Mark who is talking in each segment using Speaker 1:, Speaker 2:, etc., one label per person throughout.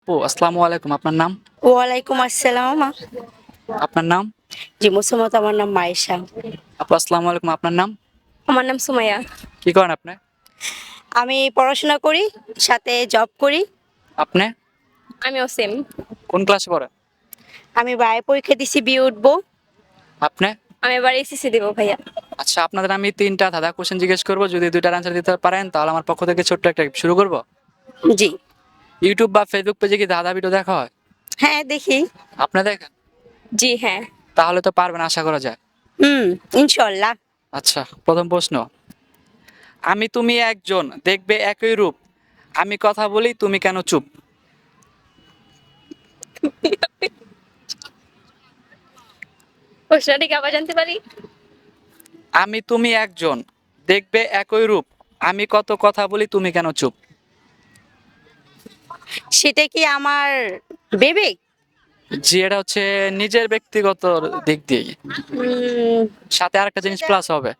Speaker 1: আসসালামু আলাইকুম। আপনার নাম?
Speaker 2: ওয়ালাইকুম আসসালাম।
Speaker 1: আপনার নাম?
Speaker 2: জি, মুসম্মত, আমার নাম মায়েশা।
Speaker 1: আপু আসসালামু আলাইকুম। আপনার নাম?
Speaker 2: আমার নাম সুমাইয়া।
Speaker 1: কি করেন আপনি?
Speaker 2: আমি পড়াশোনা করি, সাথে জব করি।
Speaker 1: আপনি
Speaker 2: আমিও সেম।
Speaker 1: কোন ক্লাসে পড়েন?
Speaker 2: আমি বাইরে পরীক্ষা দিছি, বিয়ে উঠবো।
Speaker 1: আপনি?
Speaker 2: আমি এবার এসএসসি দেবো ভাইয়া।
Speaker 1: আচ্ছা, আপনাদের আমি ৩টা ধাঁধা কোশ্চেন জিজ্ঞেস করব। যদি ২টার অ্যান্সার দিতে পারেন তাহলে আমার পক্ষ থেকে ছোট্ট একটা gift শুরু করব।
Speaker 2: জি।
Speaker 1: ইউটিউব বা ফেসবুক পেজে কি ধাঁধা ভিডিও দেখা হয়?
Speaker 2: হ্যাঁ, দেখি।
Speaker 1: আপনি দেখেন?
Speaker 2: জি হ্যাঁ।
Speaker 1: তাহলে তো পারবেন আশা করা যায়।
Speaker 2: হুম, ইনশাল্লাহ।
Speaker 1: আচ্ছা, প্রথম প্রশ্ন। আমি তুমি একজন, দেখবে একই রূপ। আমি কথা বলি, তুমি কেন চুপ?
Speaker 2: প্রশ্নটা কি আবার জানতে পারি?
Speaker 1: আমি তুমি একজন, দেখবে একই রূপ। আমি কত কথা বলি, তুমি কেন চুপ?
Speaker 2: সেটা কি আমার বিবেক?
Speaker 1: জি, এটা হচ্ছে নিজের ব্যক্তিগত দিক দিয়ে।
Speaker 2: উম,
Speaker 1: সাথে আরেকটা জিনিস প্লাস হবে।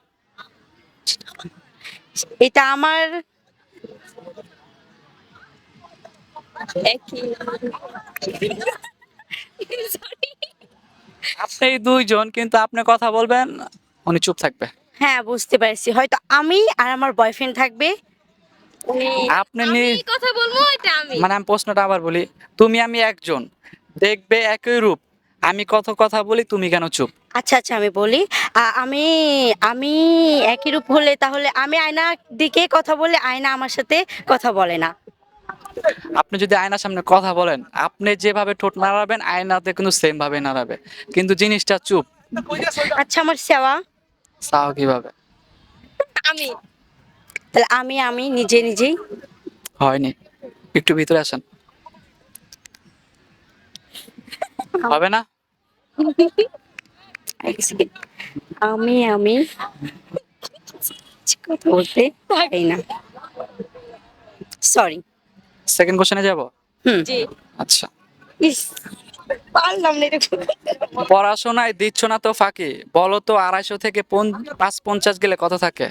Speaker 2: এটা আমার একই। Sorry.
Speaker 1: আপনি দুইজন, কিন্তু আপনি কথা বলবেন, উনি চুপ থাকবে।
Speaker 2: হ্যাঁ, বুঝতে পারছি। হয়তো আমি আর আমার বয়ফ্রেন্ড থাকবে।
Speaker 1: আপনি
Speaker 2: আমি কথা বলবো, এটা আমি।
Speaker 1: মানে আমি প্রশ্নটা আবার বলি। তুমি আমি একজন, দেখবে একই রূপ। আমি কত কথা বলি, তুমি কেন চুপ?
Speaker 2: আচ্ছা আচ্ছা, আমি বলি। আমি আমি একই রূপ হলে তাহলে আমি আয়নার দিকে কথা বললে আয়না আমার সাথে কথা বলে না।
Speaker 1: আপনি যদি আয়নার সামনে কথা বলেন, আপনি যেভাবে ঠোঁট নাড়াবেন আয়নাতে কিন্তু সেম ভাবে নাড়াবে, কিন্তু জিনিসটা চুপ।
Speaker 2: আচ্ছা, আমার সেবা।
Speaker 1: চাও কিভাবে?
Speaker 2: আমি তাহলে আমি নিজে নিজেই।
Speaker 1: হয়নি, একটু ভিতরে আসেন। হবে না?
Speaker 2: এক সেকেন্ড। আমি কথা বলতে পারি না। সরি।
Speaker 1: সেকেন্ড কোশ্চেনে যাব।
Speaker 2: হুম, জি।
Speaker 1: আচ্ছা,
Speaker 2: ইস, পারলাম না এটা।
Speaker 1: পড়াশোনায় দিচ্ছ না তো ফাঁকি, বলো তো ২৫০ থেকে ৫৫০ গেলে কত থাকে?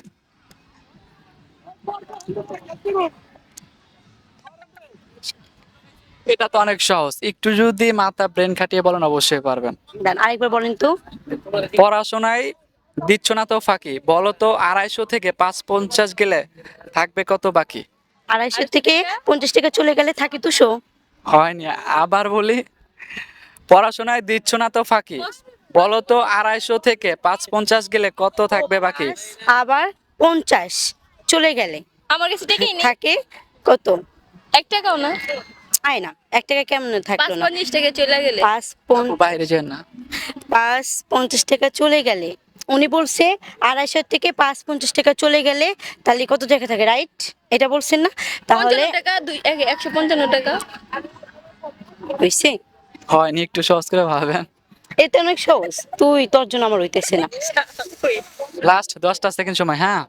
Speaker 1: এটা তো অনেক সহজ, একটু যদি মাথা ব্রেন খাটিয়ে বলেন অবশ্যই পারবেন।
Speaker 2: দাঁড়ান, আরেকবার বলেন তো।
Speaker 1: পড়াশোনায় দিচ্ছ না তো ফাঁকি, বলো তো ২৫০ থেকে ৫৫০ গেলে থাকবে কত বাকি?
Speaker 2: ২৫০ থেকে 50 টাকা চলে গেলে থাকে 200।
Speaker 1: হয়নি, আবার বলি। পড়াশোনায় দিচ্ছ না তো ফাঁকি, বলো তো ২৫০ থেকে ৫৫০ গেলে কত থাকবে বাকি?
Speaker 2: আবার 50 চলে গেলে
Speaker 3: আমার কাছে টাকাই নেই,
Speaker 2: থাকে কত?
Speaker 3: 1 টাকাও না।
Speaker 2: আয় না, 1 টাকা কেমন থাকলো না?
Speaker 3: ৫-৫০ টাকা চলে গেলে।
Speaker 1: আপু বাইরে যেন না।
Speaker 2: 50 টাকা চলে গেলে, উনি বলছে 250 থেকে 50 টাকা চলে গেলে তাহলে কত টাকা থাকে, রাইট? এটা বলছেন না? তাহলে
Speaker 3: ৫৫ টাকা, ১৫৫ টাকা।
Speaker 2: হইছে।
Speaker 1: হয়নি, একটু সহজ করে ভাবেন।
Speaker 2: এটা অনেক সহজ, তোর জন্য আমার হইতেছে না।
Speaker 1: লাস্ট 10টা সেকেন্ড সময়, হ্যাঁ।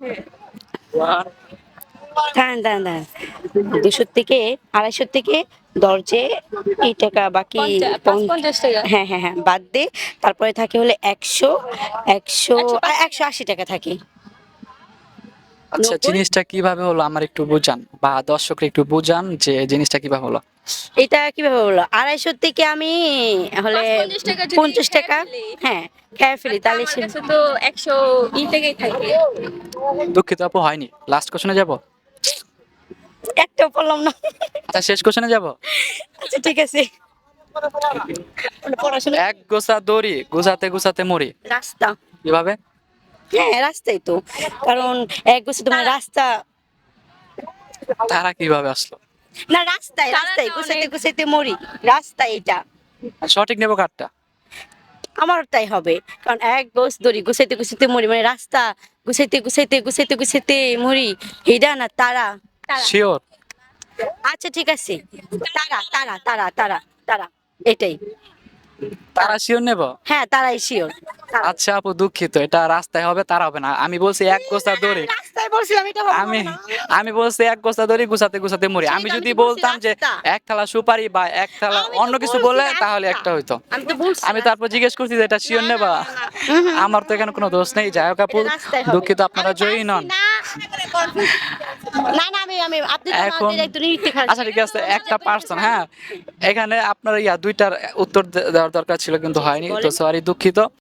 Speaker 2: দাঁড়ান দাঁড়ান দাঁড়ান, 200 থেকে 250 থেকে দরজে এই টাকা বাকি।
Speaker 3: ৫-৫০ টাকা।
Speaker 2: হ্যাঁ হ্যাঁ হ্যাঁ, বাদ দে। তারপরে থাকে হলে 100, 100,
Speaker 3: ১৫০
Speaker 2: 180 টাকা থাকে।
Speaker 1: আচ্ছা,
Speaker 2: 90।
Speaker 1: জিনিসটা কিভাবে হলো আমার একটু বুঝান, বা দর্শকরা একটু বুঝান যে জিনিসটা কিভাবে হলো।
Speaker 2: এটা কিভাবে হলো? 250 থেকে আমি হলে
Speaker 3: ৫-৫০ টাকা যদি
Speaker 2: 50
Speaker 3: খেয়ে
Speaker 2: টাকা,
Speaker 3: ফেলি,
Speaker 2: হ্যাঁ, খেয়ে ফেলি তাহলে
Speaker 3: আমার
Speaker 2: সে।
Speaker 3: কাছে তো ১০০ টাকাই থাকে।
Speaker 1: দুঃখিত আপু, হয়নি। লাস্ট কোশ্চেনে যাব।
Speaker 2: একটাও বললাম না।
Speaker 1: আচ্ছা, শেষ কোশ্চেনে যাব।
Speaker 2: আচ্ছা ঠিক আছে। পড়াশোনা।
Speaker 1: এক গোছা দড়ি গুছাতে গুছাতে মরি,
Speaker 2: রাস্তা।
Speaker 1: কিভাবে?
Speaker 2: হ্যাঁ, রাস্তাই তো। কারণ এক বছর তোমার রাস্তা।
Speaker 1: তারা কিভাবে আসলো?
Speaker 2: না, রাস্তায়
Speaker 3: তারা
Speaker 2: রাস্তায়
Speaker 3: তো
Speaker 2: গুছাইতে
Speaker 3: অনেক-
Speaker 2: গুছাইতে মরি। রাস্তা এটা।
Speaker 1: আর সঠিক নেবো কারটা?
Speaker 2: আমার তাই হবে। কারণ এক গোছ দড়ি গুছাইতে গুছাইতে মরি, মানে রাস্তা গুছাইতে গুছাইতে গুছাইতে গুছাইতে মরি। হিডা না তারা?
Speaker 1: শিওর?
Speaker 2: আচ্ছা ঠিক আছে। তারা তারা তারা তারা তারা, এটাই।
Speaker 1: তারা শিওর নেব?
Speaker 2: হ্যাঁ, তারাই শিওর।
Speaker 1: আচ্ছা আপু, দুঃখিত, এটা রাস্তায় হবে, তারা হবে না। আমি বলছি এক গোছা দড়ি।
Speaker 2: রাস্তায় বলছিলাম, এটা হবে
Speaker 1: আমি
Speaker 2: না।
Speaker 1: আমি বলছি এক গোছা দড়ি গুছাতে গুছাতে মরি। আমি
Speaker 2: সেটা আমি
Speaker 1: যদি
Speaker 2: তো বলছি
Speaker 1: বলতাম যে
Speaker 2: রাস্তা।
Speaker 1: এক থালা সুপারি বা এক থালা
Speaker 2: আমি তো
Speaker 1: অন্য কিছু
Speaker 2: বলছি
Speaker 1: বলে,
Speaker 2: রাস্তা।
Speaker 1: তাহলে একটা হইতো।
Speaker 2: আমি তো বলছি
Speaker 1: আমি তারপর জিজ্ঞেস করছি যে এটা শিওর নেবা। আমার তো এখানে কোনো দোষ নেই। যাই হোক আপু,
Speaker 2: এটা রাস্তায় হবে।
Speaker 1: দুঃখিত, আপনারা
Speaker 2: আমি
Speaker 1: জয়ী
Speaker 2: পারছি
Speaker 1: নন।
Speaker 2: না। না না আমি আপনি তো
Speaker 1: এখন
Speaker 2: আমাদের একদম নিতে খারাপ
Speaker 1: আচ্ছা ঠিক আছে একটা পার্সন, হ্যাঁ এখানে আপনার দুইটার উত্তর দেওয়ার দরকার ছিল কিন্তু হয়নি, তো সরি দুঃখিত।